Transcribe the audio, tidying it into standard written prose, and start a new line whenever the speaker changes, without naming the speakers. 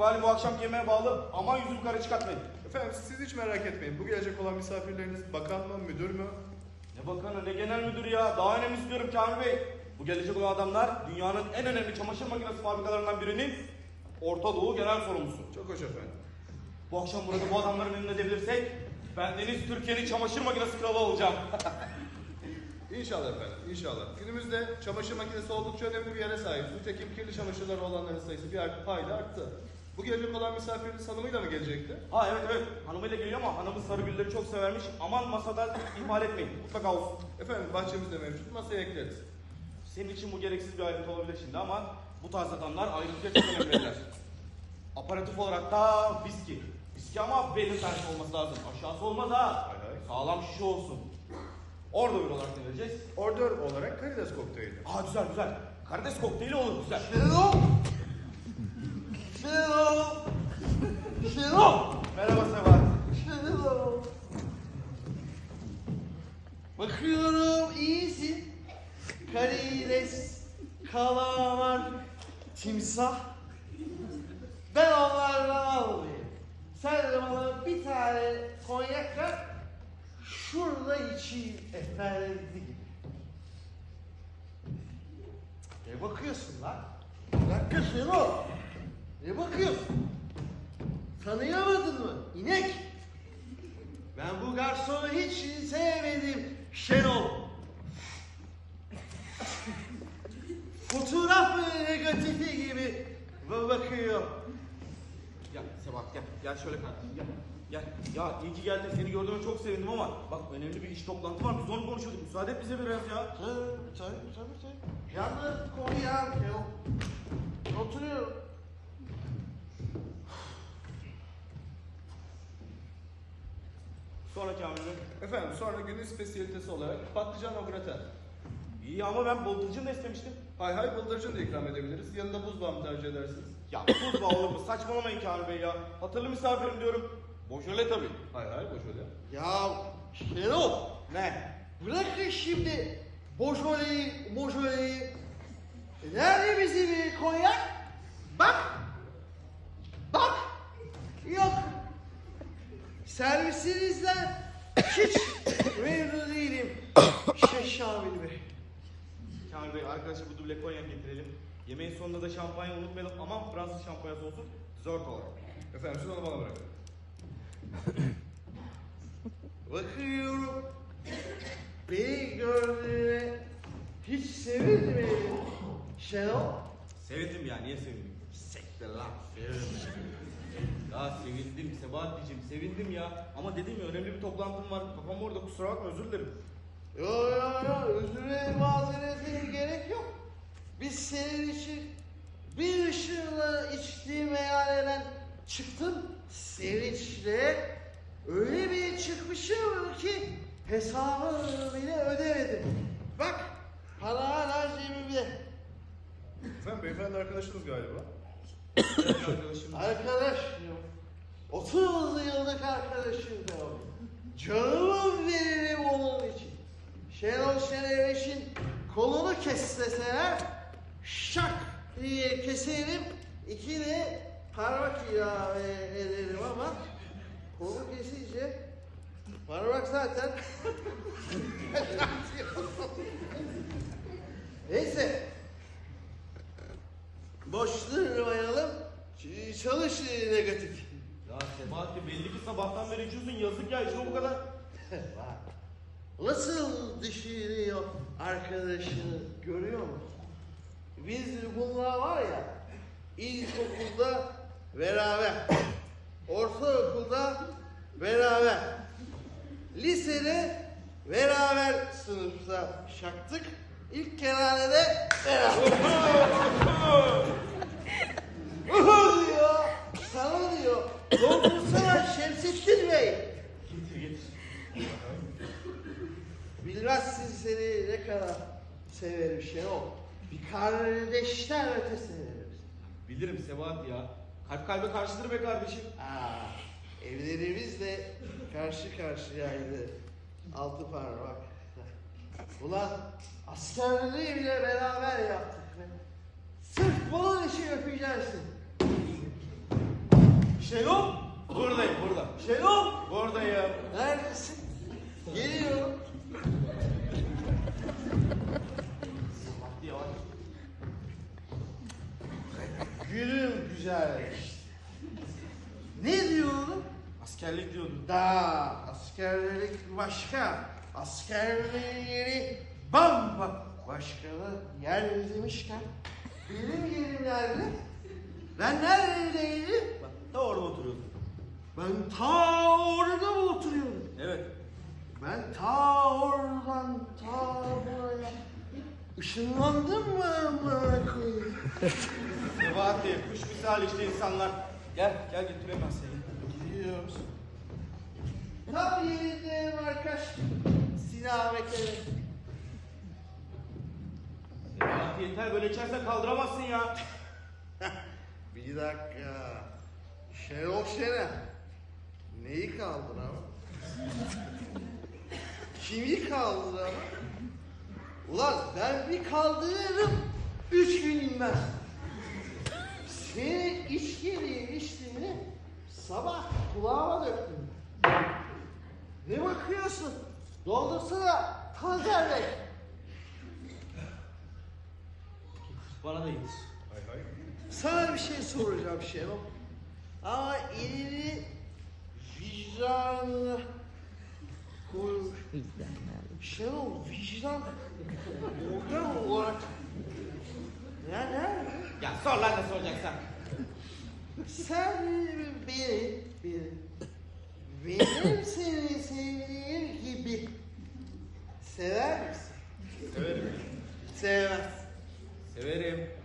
İkbal'in bu akşamki yemeğe bağlı. Aman yüzümü kara çıkartmayın.
Efendim siz hiç merak etmeyin. Bu gelecek olan misafirleriniz bakan mı, müdür mü?
Ne bakanı ne genel müdürü ya. Daha önemli istiyorum Kamil Bey. Bu gelecek olan adamlar dünyanın en önemli çamaşır makinesi fabrikalarından birinin Orta Doğu genel sorumlusu.
Çok hoş efendim.
Bu akşam burada bu adamları memnun edebilirsek bendeniz Türkiye'nin çamaşır makinesi kralı olacağım.
İnşallah efendim, inşallah. Günümüzde çamaşır makinesi oldukça önemli bir yere sahip. Nitekim kirli çamaşırları olanların sayısı bir hayli arttı. Bu gelecek olan misafiriniz hanımıyla mı gelecekti?
Ha evet hanımıyla geliyor ama hanımı sarı gülleri çok severmiş. Aman masada ihmal etmeyin. Mutlaka olsun.
Efendim bahçemizde mevcut, masaya ekleriz.
Senin için bu gereksiz bir ayrıntı olabilir şimdi ama bu tarz adamlar ayrıntıya çok önem verirler. Aparatif olarak da viski. Viski ama belli tersi olması lazım. Aşağısı olmaz ha.
Hay hay.
Sağlam şişe olsun. Orada bir olarak ne vereceğiz?
Ordör olarak karides kokteyli.
Aa güzel. Karides kokteyli olur güzel.
Şenol!
Merhaba Sebahat.
Şenol! Bakıyorum iyisin. Karides, kalamar, timsah. Ben onlardan almayayım. Sen de bana bir tane konyak ver. Şurada içeyim efendi gibi. Ne bakıyorsun lan? Bir dakika Şenol. Ne bakıyorsun? Tanıyamadın mı? İnek. Ben bu garsonu hiç sevmedim Şenol. Fotoğraf negatifi gibi bakıyor.
Gel Sebahat gel şöyle kardeşim gel. Ya iyi ki geldin seni gördüğüme çok sevindim ama bak önemli bir iş toplantı var biz onu konuşuyorduk müsaade et bize biraz ya.
Tabii. Yalnız koyacağım Şenol. Oturuyorum.
Sonra Kamil Bey.
Efendim sonra günün spesiyalitesi olarak patlıcan au gratin.
İyi ama ben bıldırcın da istemiştim.
Hay hay bıldırcın da ikram edebiliriz. Yanında buzbağı mı tercih edersiniz?
Ya tuz bağ olur mu? Saçmalamayın Kamil Bey ya. Hatırlı misafirim diyorum. Boşöle tabii.
Hay hay boş öyle.
Ya Şenol.
Ne?
Bırakın şimdi boşoleyi. Nerede bizim konyak? Bak. Yok. Servisinizden hiç memnun değilim. Şamil Bey.
Kamil Bey arkadaşa bu duble konyak getirelim. Yemeğin sonunda da şampanya unutmayalım. Aman Fransız şampanyası olsun. Dessert olarak.
Efendim siz onu bana bırakın.
Bakıyorum. Beni gördüğüne hiç sevinmedim. Şenol.
Sevindim ya niye sevindim?
Sekte lan. Sevinmedim.
Ya sevindim Sebahat'cığım sevindim ya. Ama dedim ya önemli bir toplantım var. Kafam orada kusura bakma özür dilerim.
Yo. Özüre mazerete gerek yok. Biz senin için bir ışığla içtiğim meyhaneden çıktım. Sevinçle öyle bir çıkmışım ki hesabını bile ödemedim. Bak para hala cebimde.
Efendim beyefendi arkadaşınız galiba.
Arkadaşım.
Arkadaş diyor. 30 yıllık arkadaşım diyor. Canımı veririm onun için. Şenol Şeneveş'in kolunu kesseler şak diye keserim. İki de parmak ilave ederim ama kolu kesince parmak zaten neyse. Boş durmayalım. Çalış negatif.
Ya Sebahat'cığım belli ki sabahtan beri içiyorsun yazık ya içine bu kadar.
Bak, nasıl düşünüyor arkadaşını görüyor musun? Biz bunlar var ya, ilkokulda beraber, ortaokulda beraber, lisede beraber sınıfta şaktık, ilk kerhanede beraber. diyor, sana diyor, doldursana Şemsettin Bey.
Getir.
Bilmezsin seni ne kadar severim Şenol. Bir kardeşten öte severim.
Bilirim Sebahat ya. Kalp kalbe karşıdır be kardeşim.
Evlerimiz de karşı karşıyaydı. Altı parmak. Ulan askerliği bile beraber yaptık be. Sırf bunun için öpeceksin. Şenol!
Buradayım burada.
Şenol!
Buradayım.
Neredesin? Geliyorum.
Hadi yavaş.
Gülüm güzel. Ne diyorum?
Askerlik diyordun.
Da askerlik başka. Askerleri başkalı yer demişken. Benim yerim nerede? Ben neredeydim?
Bak da orada oturuyordun.
Ben ta orada mı oturuyordum?
Evet.
Ben ta oradan ta buraya ışınlandım mı amına koyayım?
Sebahattin, kuş misali işte insanlar. Gel götüreyim ben seni.
Gidiyoruz. Tam yerinde arkadaş. Sinamet'e.
Sebahattin yeter böyle içersen kaldıramazsın ya.
Bir dakika. Şenol Şener. Neyi kaldır ama? Kimi kaldır ama? Ulan ben bir kaldırırım. 3 gün inmez. Seni içkiliği içtiğini sabah kulağıma döktüm. Ne bakıyorsun? Doldursana Tazer Bey.
Bana da git.
Hay hay.
Sana bir şey soracağım Şenol. Ama elini vicdanına koymuş. Şenol vicdan organ olarak nerede?
Ya sor lan ne soracaksan.
Sen benim seni sevdiğim gibi sever misin?
Severim.
Sevmez.
Severim.